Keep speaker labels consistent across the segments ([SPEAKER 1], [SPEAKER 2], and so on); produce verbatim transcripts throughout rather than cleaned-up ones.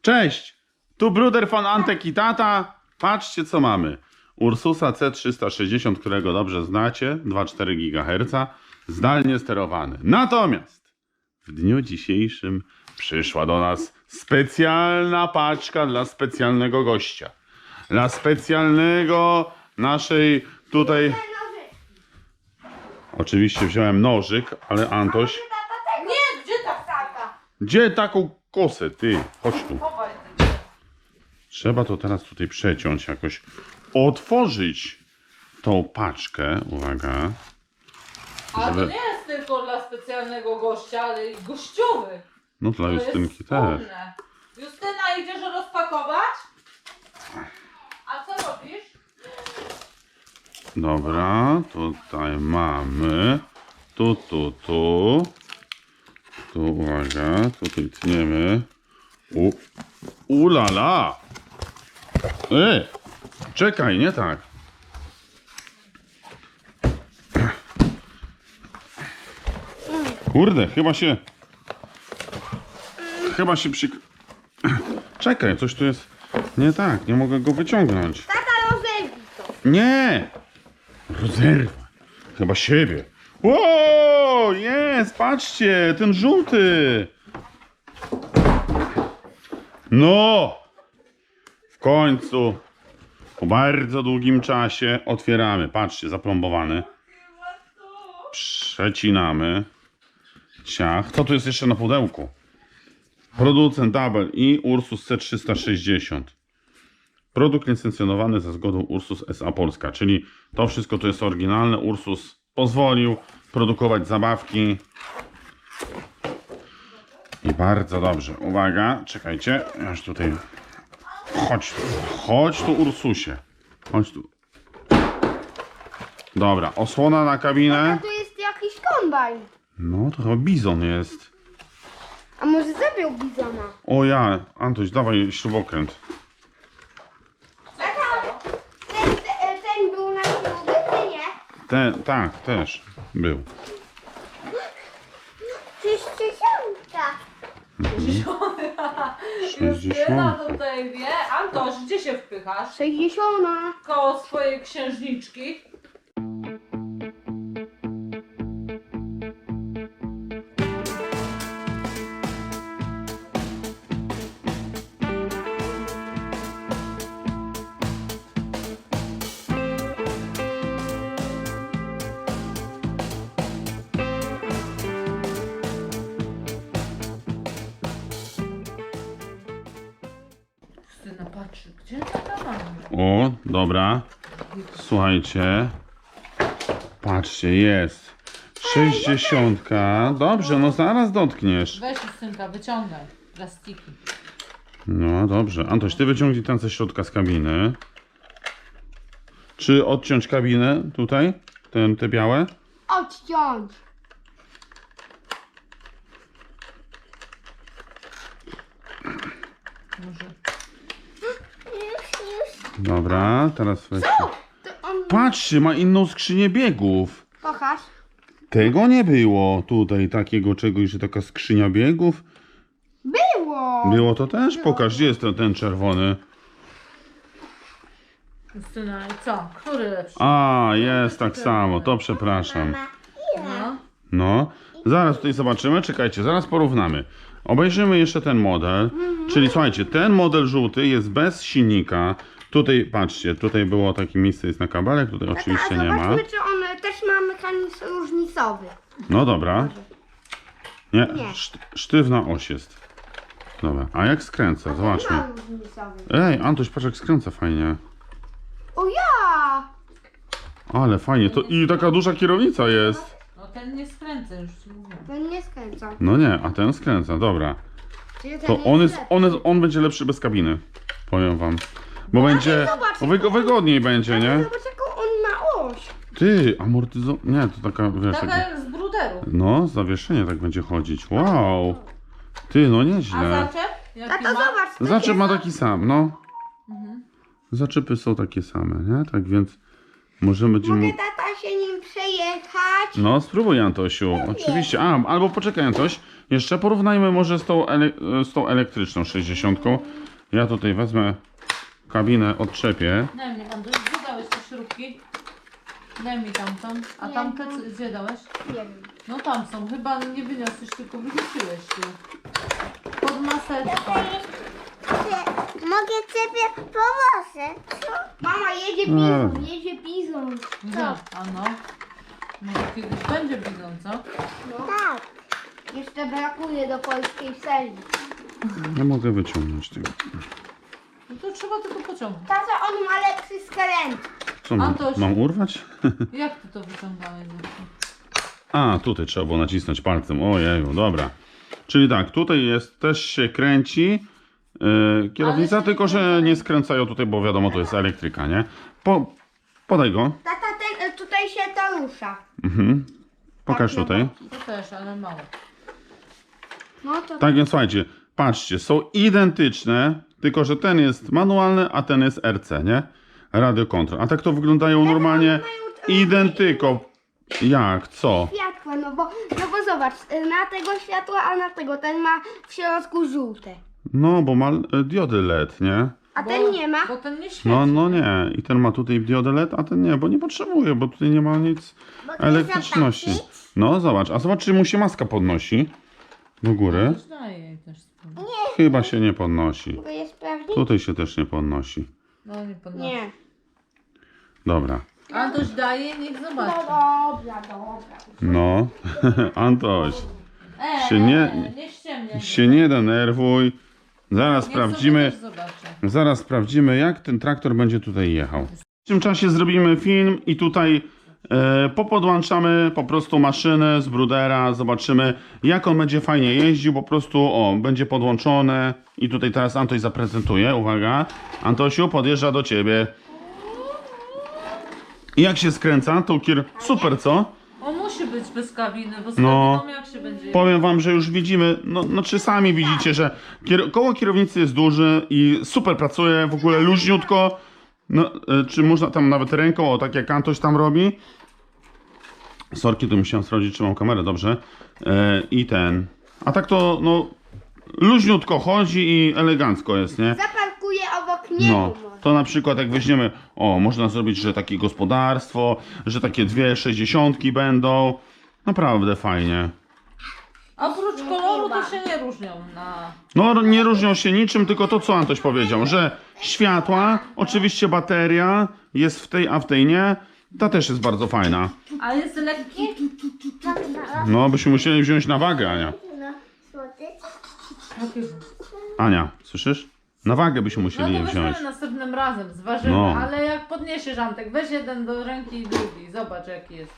[SPEAKER 1] Cześć! Tu Bruder von Antek i tata. Patrzcie co mamy. Ursusa C trzysta sześćdziesiąt, którego dobrze znacie, dwa przecinek cztery gigaherca, zdalnie sterowany. Natomiast w dniu dzisiejszym przyszła do nas specjalna paczka dla specjalnego gościa. Dla specjalnego naszej tutaj... Oczywiście wziąłem nożyk, ale Antoś...
[SPEAKER 2] Nie, gdzie ta ptaka?
[SPEAKER 1] Gdzie taką kosę, ty? Chodź tu.
[SPEAKER 2] Chowaj ty.
[SPEAKER 1] Trzeba to teraz tutaj przeciąć, jakoś otworzyć tą paczkę. Uwaga.
[SPEAKER 2] A to
[SPEAKER 1] Żeby-
[SPEAKER 2] nie jest tylko dla specjalnego gościa, ale i gościowy.
[SPEAKER 1] No dla
[SPEAKER 2] To
[SPEAKER 1] Justynki
[SPEAKER 2] jest
[SPEAKER 1] też.
[SPEAKER 2] wspólne. Justyna, idziesz rozpakować? A co robisz?
[SPEAKER 1] Dobra, tutaj mamy. Tu, tu, tu. Tu, uwaga, tutaj tniemy. U, ulala! E, czekaj, nie tak. Kurde, chyba się... Chyba się przy... Czekaj, coś tu jest nie tak, nie mogę go wyciągnąć.
[SPEAKER 3] Tata, rozerwij to.
[SPEAKER 1] Nie! Rozerwa. Chyba siebie. Ło! Jest! Patrzcie! Ten żółty! No! W końcu po bardzo długim czasie otwieramy. Patrzcie, zaplombowany. Przecinamy. Ciach. Co tu jest jeszcze na pudełku? Producent Double i Ursus C trzysta sześćdziesiąt. Produkt licencjonowany za zgodą Ursus S A Polska, czyli to wszystko to jest oryginalne. Ursus pozwolił produkować zabawki. I bardzo dobrze. Uwaga, czekajcie. Ja już tutaj... Chodź tu. Chodź tu, Ursusie. Chodź tu. Dobra, osłona na kabinę.
[SPEAKER 3] A to jest jakiś kombajn.
[SPEAKER 1] No, to chyba bizon jest.
[SPEAKER 3] A może zabił bizona?
[SPEAKER 1] O ja, Antoś, dawaj śrubokręt.
[SPEAKER 3] Tata, ten, ten, ten był na śrubie, czy nie?
[SPEAKER 1] Ten, tak, też był.
[SPEAKER 3] sześćdziesiątka.
[SPEAKER 2] Justyna
[SPEAKER 1] sześćdziesiąt.
[SPEAKER 2] tutaj wie. Antoś, gdzie się wpychasz?
[SPEAKER 3] sześćdziesiąta.
[SPEAKER 2] Koło swojej księżniczki. Justyna patrzy, gdzie ta mama?
[SPEAKER 1] O, dobra. Słuchajcie. Patrzcie, jest. Sześćdziesiątka. Dobrze, no zaraz dotkniesz.
[SPEAKER 2] Weź Justynka, wyciągaj plastiki.
[SPEAKER 1] No dobrze. Antoś, ty wyciągnij ten ze środka z kabiny. Czy odciąć kabinę tutaj? Ten, te białe?
[SPEAKER 3] Odciąć.
[SPEAKER 2] Może.
[SPEAKER 3] Już, już.
[SPEAKER 1] Dobra, teraz weź.
[SPEAKER 3] To on...
[SPEAKER 1] Patrzcie, ma inną skrzynię biegów.
[SPEAKER 3] Pokaż.
[SPEAKER 1] Tego nie było tutaj, takiego czegoś, że taka skrzynia biegów.
[SPEAKER 3] Było.
[SPEAKER 1] Było to też? Pokaż, gdzie jest ten, ten czerwony.
[SPEAKER 2] Justyna, i co? Który lepszy?
[SPEAKER 1] A, jest tak samo, to przepraszam.
[SPEAKER 3] Mama, ile?
[SPEAKER 2] No.
[SPEAKER 1] No, zaraz tutaj zobaczymy, czekajcie, zaraz porównamy. Obejrzymy jeszcze ten model, czyli słuchajcie, ten model żółty jest bez silnika. Tutaj, patrzcie, tutaj było takie miejsce, jest na kabelek, tutaj oczywiście
[SPEAKER 3] Tata, a
[SPEAKER 1] nie ma.
[SPEAKER 3] zobaczmy, czy on też ma mechanizm różnicowy.
[SPEAKER 1] No dobra. Nie,
[SPEAKER 3] Nie.
[SPEAKER 1] szt- sztywna oś jest. Dobra, a jak skręca? Zobaczmy.
[SPEAKER 3] Ma różnicowy.
[SPEAKER 1] Ej, Antoś, patrz jak skręca fajnie.
[SPEAKER 3] O ja!
[SPEAKER 1] Ale fajnie, to i taka duża kierownica jest.
[SPEAKER 2] No ten nie skręcę, już ci mówię.
[SPEAKER 3] Ten nie skręca.
[SPEAKER 1] No nie, a ten skręca, dobra.
[SPEAKER 3] Czyli ten
[SPEAKER 1] To on jest,
[SPEAKER 3] lepszy.
[SPEAKER 1] on, jest, on będzie lepszy bez kabiny. Powiem wam. Bo będzie,
[SPEAKER 3] zobacz,
[SPEAKER 1] bo wygo- wygodniej będzie, nie?
[SPEAKER 3] Zobacz, jaką on ma oś.
[SPEAKER 1] Ty, amortyzo... Nie, to taka, wiesz,
[SPEAKER 2] Taka
[SPEAKER 1] takie...
[SPEAKER 2] jak z bruderu.
[SPEAKER 1] No, zawieszenie tak będzie chodzić. Wow. Ty, no
[SPEAKER 2] A
[SPEAKER 1] nieźle.
[SPEAKER 2] zaczep? Jaki
[SPEAKER 3] Tato,
[SPEAKER 2] ma?
[SPEAKER 3] zobacz. to
[SPEAKER 1] Zaczep
[SPEAKER 3] jest-
[SPEAKER 1] ma taki sam, no.
[SPEAKER 2] Mhm.
[SPEAKER 1] Zaczepy są takie same, nie? Tak więc Może będziemy...
[SPEAKER 3] Mogę tata się nim przejechać?
[SPEAKER 1] No, spróbuj, Antosiu. Oczywiście. A, albo poczekaj, Antoś. Jeszcze porównajmy może z tą, ele... z tą elektryczną sześćdziesiątką. Ja tutaj wezmę kabinę, odczepię.
[SPEAKER 2] Daj mi, Andrzej, gdzie dałeś te śrubki? Daj mi tamtą. A
[SPEAKER 3] Nie,
[SPEAKER 2] tamte
[SPEAKER 3] tam.
[SPEAKER 2] co- gdzie dałeś?
[SPEAKER 3] Nie wiem.
[SPEAKER 2] No tam są, chyba nie wyniosłeś, tylko wyrzuciłeś tu. Pod maseczką.
[SPEAKER 3] Mogę ciebie pomoże? Mama, jedzie
[SPEAKER 1] No.
[SPEAKER 3] bizon, jedzie bizon.
[SPEAKER 2] Co? A no. Może kiedyś będzie bizon, co?
[SPEAKER 3] No. Tak. Jeszcze brakuje do polskiej serii.
[SPEAKER 1] Nie mogę wyciągnąć tego.
[SPEAKER 2] No to trzeba tylko pociągnąć.
[SPEAKER 3] Tata, on ma lepszy skręt.
[SPEAKER 1] Co mam?
[SPEAKER 2] Antoś.
[SPEAKER 1] Mam urwać?
[SPEAKER 2] Jak ty to wyciągałeś?
[SPEAKER 1] A, tutaj trzeba było nacisnąć palcem. Ojeju, dobra. Czyli tak, tutaj jest, też się kręci yy, kierownica,
[SPEAKER 2] Ale się
[SPEAKER 1] tylko
[SPEAKER 2] nie
[SPEAKER 1] że
[SPEAKER 2] kręca.
[SPEAKER 1] nie skręcają tutaj, bo wiadomo, to jest elektryka, nie? Po, podaj go.
[SPEAKER 3] Tata, ten, tutaj się to rusza.
[SPEAKER 1] Mhm. Pokaż
[SPEAKER 3] Tak, no
[SPEAKER 1] tutaj.
[SPEAKER 2] To też, ale mało.
[SPEAKER 3] No to
[SPEAKER 1] Tak więc słuchajcie, patrzcie, są identyczne, tylko że ten jest manualny, a ten jest R C, nie? Radio control. A tak to wyglądają normalnie
[SPEAKER 3] mają
[SPEAKER 1] identyko. Jak? Co?
[SPEAKER 3] światła, no bo, no bo zobacz, na tego światła, a na tego, ten ma w środku żółte.
[SPEAKER 1] No, bo ma e, diody L E D, nie?
[SPEAKER 3] A
[SPEAKER 2] Bo-
[SPEAKER 3] ten nie ma.
[SPEAKER 2] Bo ten nie świeci.
[SPEAKER 1] No, no nie. I ten ma tutaj diodę L E D, a ten nie, bo nie potrzebuje, bo tutaj nie ma nic elektryczności. No, zobacz. A zobacz, czy mu się maska podnosi do góry.
[SPEAKER 2] Też daje jej też spróbuj.
[SPEAKER 1] Chyba się nie podnosi.
[SPEAKER 3] Mogę je sprawdzić?
[SPEAKER 1] Tutaj się też nie podnosi.
[SPEAKER 2] No nie podnosi.
[SPEAKER 3] Nie.
[SPEAKER 1] Dobra.
[SPEAKER 2] Antoś daje, niech
[SPEAKER 3] No
[SPEAKER 2] zobaczy.
[SPEAKER 3] dobra, dobra.
[SPEAKER 1] No, Antoś,
[SPEAKER 2] E,
[SPEAKER 1] się
[SPEAKER 2] e,
[SPEAKER 1] nie-
[SPEAKER 2] e, nie ściemniaj.
[SPEAKER 1] się nie denerwuj. Zaraz
[SPEAKER 2] Niech
[SPEAKER 1] sprawdzimy,
[SPEAKER 2] sobie też zobaczy.
[SPEAKER 1] zaraz sprawdzimy, jak ten traktor będzie tutaj jechał. W tym czasie zrobimy film i tutaj e, popodłączamy po prostu maszynę z brudera, zobaczymy, jak on będzie fajnie jeździł, po prostu, o, będzie podłączone i tutaj teraz Antoś zaprezentuje, uwaga, Antosiu podjeżdża do ciebie. I jak się skręca, to kier... super, co?
[SPEAKER 2] On musi być bez kabiny, bo z
[SPEAKER 1] No.
[SPEAKER 2] kabiną jak się będzie...
[SPEAKER 1] Powiem wam, że już widzimy, no, no czy sami widzicie, że kier koło kierownicy jest duży i super pracuje, w ogóle luźniutko. No, e, czy można tam nawet ręką, o tak jak Antoś tam robi. Sorki, tu musiałem sprawdzić, czy mam kamerę, dobrze. E, I ten. A tak to, no, luźniutko chodzi i elegancko jest, nie?
[SPEAKER 3] Zaparkuję obok niego.
[SPEAKER 1] No,
[SPEAKER 3] może.
[SPEAKER 1] to na przykład jak weźmiemy, o, można zrobić, że takie gospodarstwo, że takie dwie sześćdziesiątki będą. Naprawdę fajnie.
[SPEAKER 2] Oprócz koloru to się nie różnią na...
[SPEAKER 1] No, nie różnią się niczym, tylko to, co Antoś powiedział, że światła, oczywiście bateria jest w tej, a w tej nie. Ta też jest bardzo fajna.
[SPEAKER 2] A jest lekki.
[SPEAKER 1] No, byśmy musieli wziąć na wagę, Ania.
[SPEAKER 3] No, słodycz.
[SPEAKER 2] Jakiego?
[SPEAKER 1] Ania, słyszysz? Na wagę byśmy
[SPEAKER 2] No
[SPEAKER 1] musieli
[SPEAKER 2] to
[SPEAKER 1] je wziąć.
[SPEAKER 2] weźmiemy następnym razem, zważymy,
[SPEAKER 1] No.
[SPEAKER 2] ale jak podniesiesz Antek, weź jeden do ręki i drugi, zobacz jaki jest.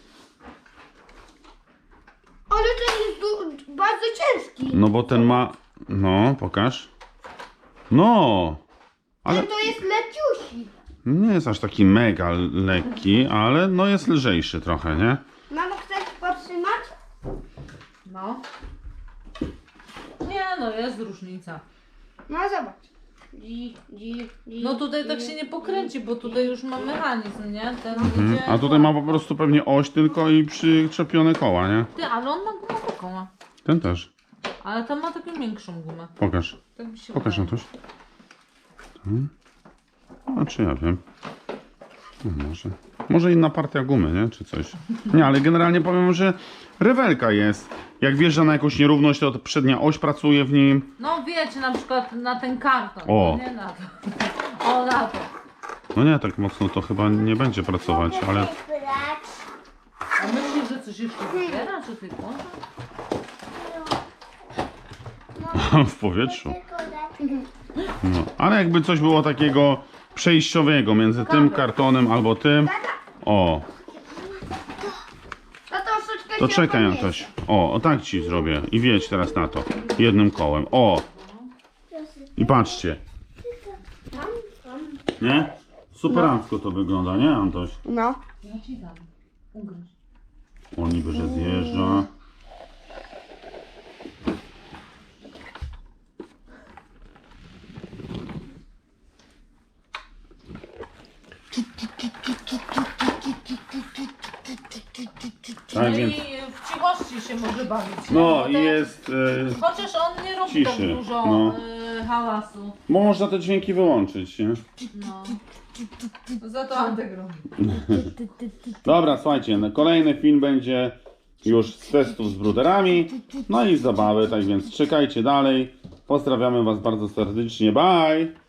[SPEAKER 3] Ale ten jest du- bardzo ciężki.
[SPEAKER 1] No, bo ten ma... No, pokaż. No, ale
[SPEAKER 3] Ten to jest leciusi.
[SPEAKER 1] nie jest aż taki mega lekki, ale no jest lżejszy trochę, nie?
[SPEAKER 3] Mamo, chcesz podtrzymać?
[SPEAKER 2] No. Nie no, jest różnica.
[SPEAKER 3] No zobacz. Dzi, dzi, dzi,
[SPEAKER 2] No tutaj tak
[SPEAKER 3] dzi,
[SPEAKER 2] się nie pokręci, bo tutaj już ma mechanizm, nie? Ten
[SPEAKER 1] Mhm.
[SPEAKER 2] idzie...
[SPEAKER 1] A tutaj ma po prostu pewnie oś tylko i przyczepione koła, nie?
[SPEAKER 2] Ty, ale on ma gumę taką, ma.
[SPEAKER 1] Ten też.
[SPEAKER 2] Ale tam ma taką większą gumę.
[SPEAKER 1] Pokaż.
[SPEAKER 2] Tak mi się
[SPEAKER 1] Pokaż
[SPEAKER 2] wydaje.
[SPEAKER 1] Antoś. Hmm. A czy ja wiem? No może. Może inna partia gumy, nie? Czy coś. Nie, ale generalnie powiem, że rewelka jest. Jak wjeżdża na jakąś nierówność, to przednia oś pracuje w nim.
[SPEAKER 2] No wiecie, na przykład na ten karton,
[SPEAKER 1] O.
[SPEAKER 2] no nie na to. O, na to.
[SPEAKER 1] No nie, tak mocno to chyba nie będzie pracować, ale
[SPEAKER 2] A myślisz, że coś jeszcze wybiera, czy ty włącza?
[SPEAKER 1] w powietrzu. No. Ale jakby coś było takiego przejściowego między tym kartonem albo tym. O,
[SPEAKER 3] To troszeczkę
[SPEAKER 1] to
[SPEAKER 3] się
[SPEAKER 1] czekaj
[SPEAKER 3] podniesie.
[SPEAKER 1] Antoś. O, o tak ci zrobię. I wjedź teraz na to. Jednym kołem. O. I patrzcie. Nie? Superancko to wygląda, nie Antoś?
[SPEAKER 3] No.
[SPEAKER 2] Ja ci dam. Ugryź.
[SPEAKER 1] O, niby, że zjeżdża. Tak
[SPEAKER 2] No
[SPEAKER 1] więc,
[SPEAKER 2] i w cichości się może bawić. nie?
[SPEAKER 1] no
[SPEAKER 2] Bo
[SPEAKER 1] i
[SPEAKER 2] to-
[SPEAKER 1] jest, e,
[SPEAKER 2] Chociaż on nie robi
[SPEAKER 1] ciszy,
[SPEAKER 2] tak dużo
[SPEAKER 1] no.
[SPEAKER 2] y, hałasu.
[SPEAKER 1] można te dźwięki wyłączyć, nie?
[SPEAKER 2] No. Za to Antek robi.
[SPEAKER 1] Dobra, słuchajcie, no, kolejny film będzie już z testów z bruderami, no i z zabawy, tak więc czekajcie dalej. Pozdrawiamy Was bardzo serdecznie, bye!